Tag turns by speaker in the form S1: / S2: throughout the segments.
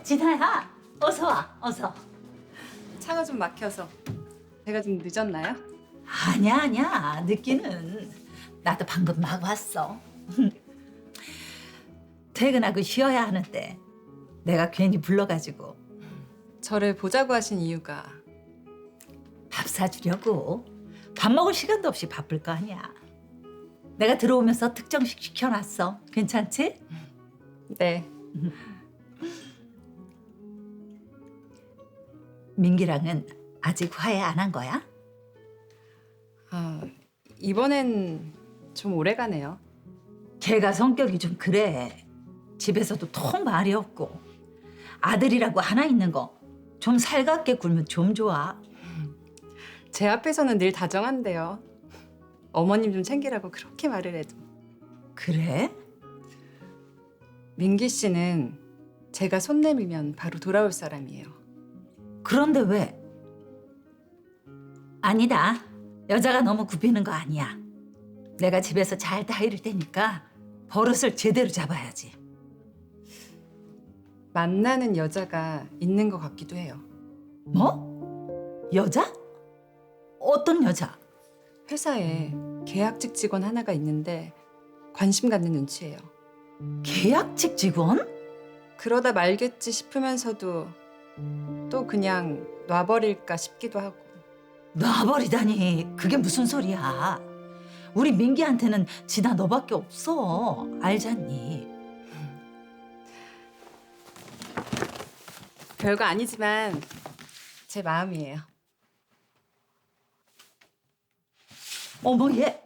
S1: 진아야, 어서 와, 어서.
S2: 차가 좀 막혀서 제가 좀 늦었나요?
S1: 아니야. 늦기는. 나도 방금 막 왔어. 퇴근하고 쉬어야 하는데 내가 괜히 불러가지고
S2: 저를 보자고 하신 이유가
S1: 밥 사주려고. 밥 먹을 시간도 없이 바쁠 거 아니야. 내가 들어오면서 특정식 시켜놨어. 괜찮지?
S2: 네.
S1: 민기랑은 아직 화해 안 한 거야?
S2: 아, 이번엔 좀 오래 가네요.
S1: 걔가 성격이 좀 그래. 집에서도 통 말이 없고. 아들이라고 하나 있는 거 좀 살갑게 굴면 좀 좋아.
S2: 제 앞에서는 늘 다정한데요. 어머님 좀 챙기라고 그렇게 말을 해도.
S1: 그래?
S2: 민기 씨는 제가 손 내밀면 바로 돌아올 사람이에요.
S1: 그런데 왜? 아니다. 여자가 너무 굽히는 거 아니야. 내가 집에서 잘 다이를 테니까 버릇을 제대로 잡아야지.
S2: 만나는 여자가 있는 것 같기도 해요.
S1: 뭐? 여자? 어떤 여자?
S2: 회사에 계약직 직원 하나가 있는데 관심 갖는 눈치예요.
S1: 계약직 직원?
S2: 그러다 말겠지 싶으면서도 또 그냥 놔버릴까 싶기도 하고.
S1: 놔버리다니. 그게 무슨 소리야. 우리 민기한테는 진아 너밖에 없어. 알잖니.
S2: 별거 아니지만 제 마음이에요.
S1: 어머 얘.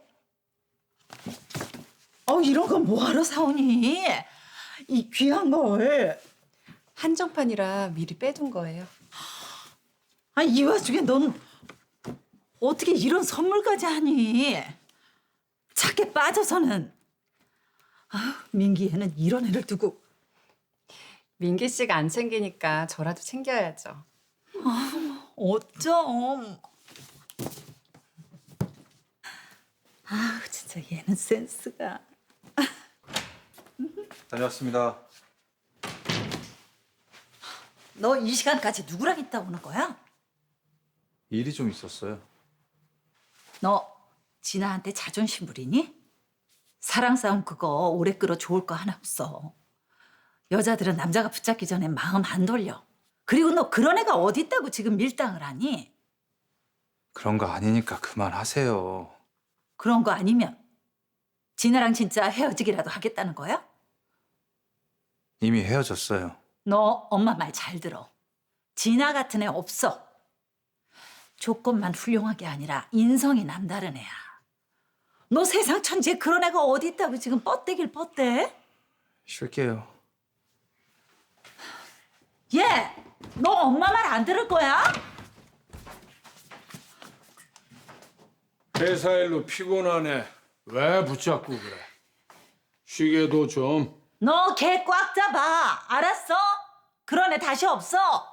S1: 이런 건 뭐하러 사오니? 이 귀한 걸.
S2: 한정판이라 미리 빼둔 거예요.
S1: 이 와중에 넌 어떻게 이런 선물까지 하니? 착해 빠져서는. 민기애는 이런 애를 두고.
S2: 민기 씨가 안 챙기니까 저라도 챙겨야죠.
S1: 어쩜. 진짜 얘는 센스가.
S3: 다녀왔습니다.
S1: 너 이 시간까지 누구랑 있다 오는 거야?
S3: 일이 좀 있었어요.
S1: 너 진아한테 자존심 부리니? 사랑 싸움 그거 오래 끌어 좋을 거 하나 없어. 여자들은 남자가 붙잡기 전에 마음 안 돌려. 그리고 너 그런 애가 어디 있다고 지금 밀당을 하니?
S3: 그런 거 아니니까 그만하세요.
S1: 그런 거 아니면 진아랑 진짜 헤어지기라도 하겠다는 거야?
S3: 이미 헤어졌어요.
S1: 너 엄마 말 잘 들어. 진아 같은 애 없어. 조건만 훌륭하게 아니라 인성이 남다른 애야. 너 세상 천지에 그런 애가 어디 있다고 지금 뻗대길 뻗대?
S3: 쉴게요.
S1: 얘! 너 엄마 말 안 들을 거야?
S4: 회사 일로 피곤하네. 왜 붙잡고 그래? 쉬게도 좀.
S1: 너 걔 꽉 잡아. 알았어? 그런 애 다시 없어.